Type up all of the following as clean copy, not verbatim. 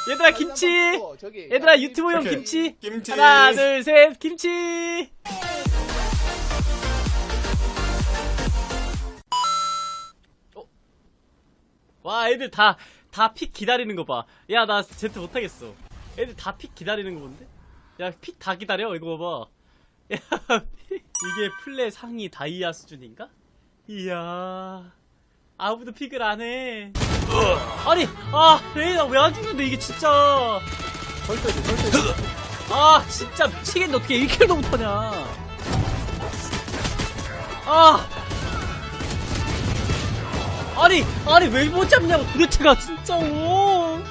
얘들아 김치. 얘들아 유튜브용 오케이. 김치. 김치. 하나 둘 셋 김치. 와 애들 다 픽 기다리는 거 봐. 야 나 제트 못하겠어. 애들 다 픽 기다리는 거 본데? 야 픽 다 기다려 이거 봐봐. 야 이게 플레 상위 다이아 수준인가? 이야 아무도 픽을 안 해. 아니 레이나 왜 안 죽는데 이게 진짜. 아 진짜 미치겠네. 어떻게 1킬도 못하냐. 아니 왜 못 잡냐고 도대체가 진짜로.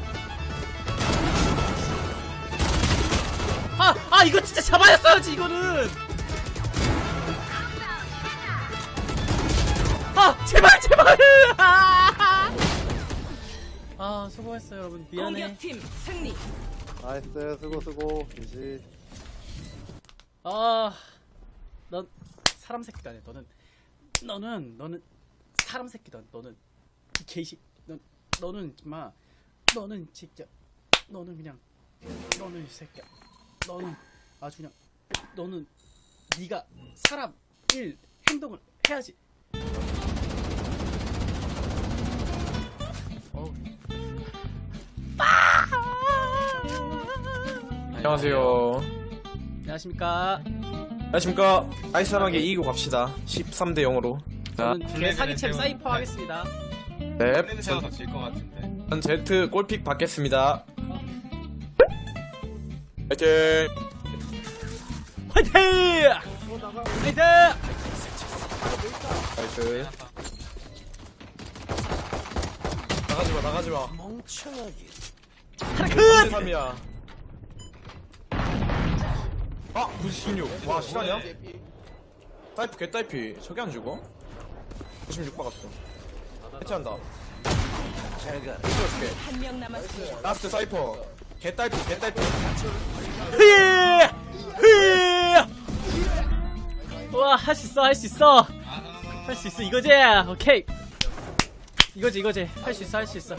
이거 진짜 잡아야어야지 이거는. 제발 수고했어요 여러분. 미안해. 공격팀 승리. 나이스 수고 김치. 넌 사람 새끼도 아니야. 너는 사람 새끼도 아니야. 너는 이 개식. 너는 정말 너는 진짜 너는 그냥 너는 이 새끼야. 너는 아주 그냥 너는 네가 사람 일 행동을 해야지. 안녕하세요. 안녕하십니까. 안녕하십니까. 아이스하게 이기고 갑시다. 13대 0으로. 자, 저는 제 사기챔 사이퍼 하겠습니다. 네. 세워서 질것 같은데. 전 제트 골픽 받겠습니다. 화이팅! 화이팅! 화이팅! 나이스. 나가지마. 멍청하게. 3대3이야. 96. 와, 실화냐? 타이프 개타이피. 저게 안 죽어? 96 박았어. 해체한다. 한 명 남았습니다. 라스트 사이퍼. 개타이피. 와, 할 수 있어. 이거지. 오케이. 이거지. 할 수 있어.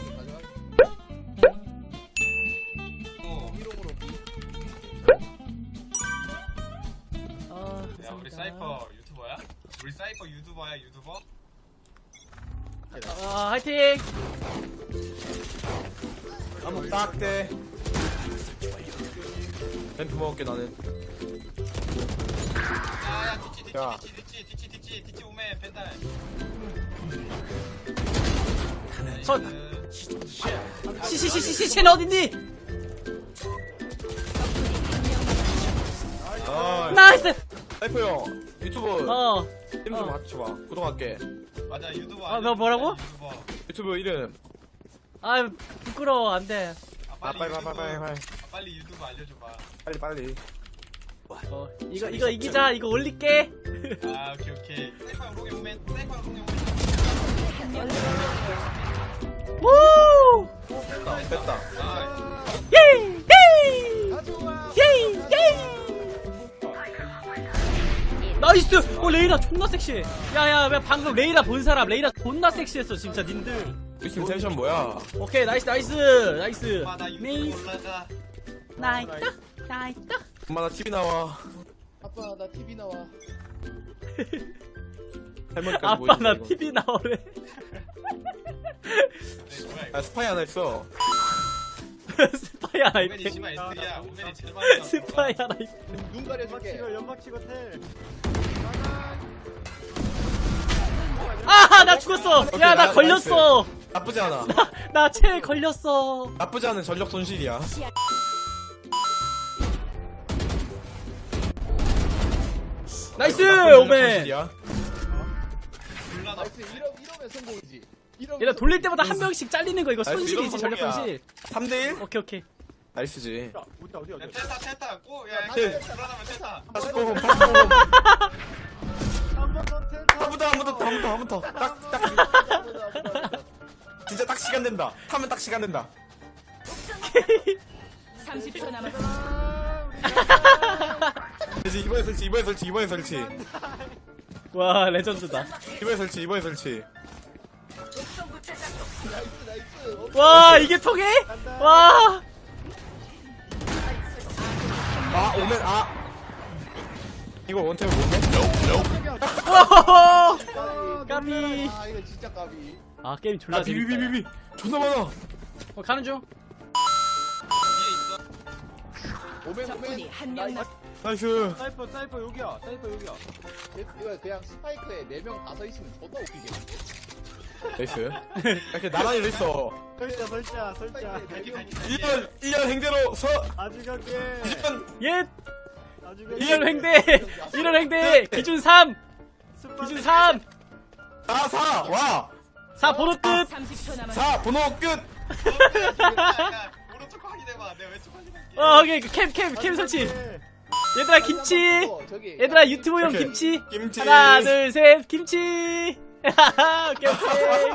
야 우리 사이퍼 유튜버야? 우리 사이퍼 유튜버? 화이팅! 한번 딱대. 램프 먹을게 나는. 야야 뒤치 오메 벤달. 쟤는 어딨니? 나이스! 사이퍼 형 유튜브 이름 좀 맞춰봐. 구독할게. 맞아 유튜버. 너 뭐라고? 유튜버. 유튜브 이름. 부끄러워. 안 돼. 빨리 유튜브 알려줘봐. 빨리. 이거 이기자. 이거 올릴게. 오케이. 사이퍼 롱이 오메. 우! 됐다. 예이! 나이스! 레이나 존나 섹시해. 야, 방금 레이나 본 사람, 레이나 존나 섹시했어, 진짜, 님들. 우리 팀 텐션 뭐야? 오케이, 나이스. 나 유튜브 올라가. 나이스. 엄마 나 TV 나와. 아빠 나 TV 나와. 할머니까지 아빠, 보이지, 나 이거. TV 나오래. 아 스파이 하나 있어. 스파이 하나 오메니 있대. 심한 S야. 오메니 제일 많이. 스파이 하나 있대. 눈 가려줄게. 나 죽었어. 오케이, 야, 나 나이스. 걸렸어. 나쁘지 않아. 나 채 걸렸어. 나쁘지 않은 전력 손실이야. 나이스, 나쁜 전력 오메. 손실이야. 나이스 이러면 성공이지. 얘가 돌릴 때마다 한 명씩 잘리는 거 이거 나이스, 손실이지, 이러면 전력 성공이야. 손실. 3대1? 오케이. 나이스지. 테타. 고. 야 네. 불안하면 테타. 49분. 한 번 더. 진짜 딱 시간 된다. 타면 딱 시간 된다. 30초 남았습니다. 이번에 설치. 와, 레전드다. 이번에 설치. 나이스. 와 이게 통해? 와. 아 오면 이거 원탭을 못해? 오호호. 까비. 아 이거 진짜 까비. 아 게임 졸라 재밌다. 비비비비비 존나 많아. 가는 중. 뒤에 있어. 오멘 적군이 오멘. 한명 남. 나이스. 사이퍼 여기야. 사이퍼 여기야. 이거 그냥 스파이크에 4명 다 서 있으면 존나 웃기게. 나이스. 이렇게 나란히로 있어. 설자. 갈게, 갈게, 갈게. 1년 행대로 서. 아주 갈게. 2년 예. 아주 갈게. 이런 횡대. 이런 횡대. 기준 3. 기준 3. 4 와. 4 번호 끝. 30초 남았습니다. 4 번호 끝. 야, 오른쪽 확인해봐. 내가 왼쪽 확인할게. 오케이 캠 설치. 얘들아 김치. 저기. 얘들아 유튜브용 오케이. 김치. 김치. 하나 둘 셋 김치. 오케이 오케이.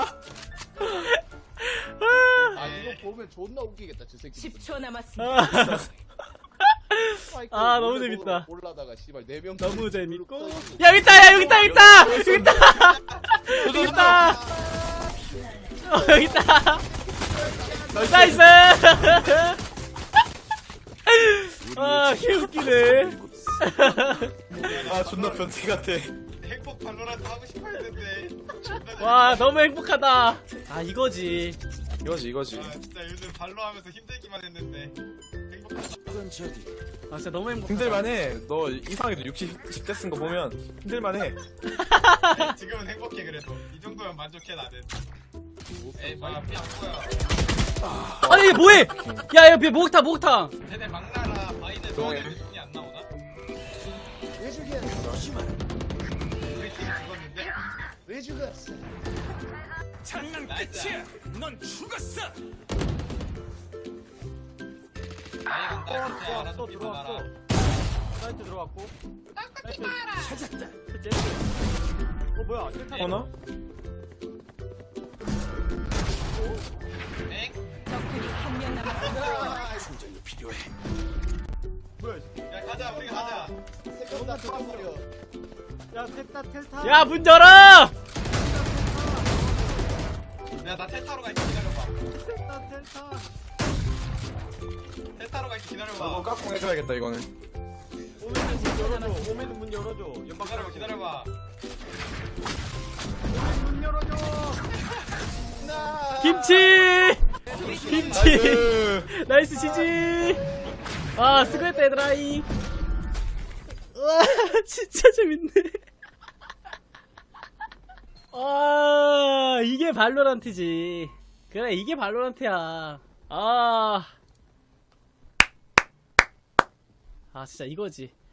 아 이거 보면 존나 웃기겠다 저 새끼. 10초 남았습니다. 스파이크 아, 너무 몰래 재밌다. 올라다가 씨발 4명 너무 재밌고. 야 여기 있다 야 여기 있다 여기 있다 여기 있다 여기 있다. 여기 있다. 나이스. 아 개웃기네. 아 존나 변태 같아. 행복 발로란트 하고 싶어 했는데. 존나 와 너무 행복하다. 아 이거지. 이거지. 아, 진짜 요즘 발로 하면서 힘들기만 했는데. 행복하다. 아 진짜 너무 행복하다. 힘들만해. 너 이상하게도 10대 쓴 거 보면 힘들만해. 아니, 지금은 행복해 그래도. 이 정도면 만족해 나는. 에이 뭐야 피안 보여. 아니 이게 뭐해? 야야 목욕탕. 쟤네 막나라 바이든 조용해. 너한테 눈이 안 나오나? 왜 죽였어? 우리 팀 죽었는데? 왜 죽였어? 장난 끝이야. 넌 죽었어. 나이 간다. 진짜 알아서 믿어놔라. 사이트 들어왔고. 찾았다. 뭐야? 텔타. 어나? 엥? 적군이 한명 남았습니다. 뭐야? 야 가자 우리가 가자. 세컨 다 죽어버려. 야 텔타. 야 문 열어. 야나 텔타로 갈게 기다려봐. 텔타. 텔타로 갈게 기다려봐. 이거 깍꿍 해줘야겠다 이거는. 오메는 문 열어줘. 연막 기다려봐 기다려봐. 문 열어줘. 김치. 나이스. 나이스 지지. 아 수고했다 얘들아이. 와 진짜 재밌네. 아 이게 발로란트지. 그래 이게 발로란트야. 아 진짜 이거지.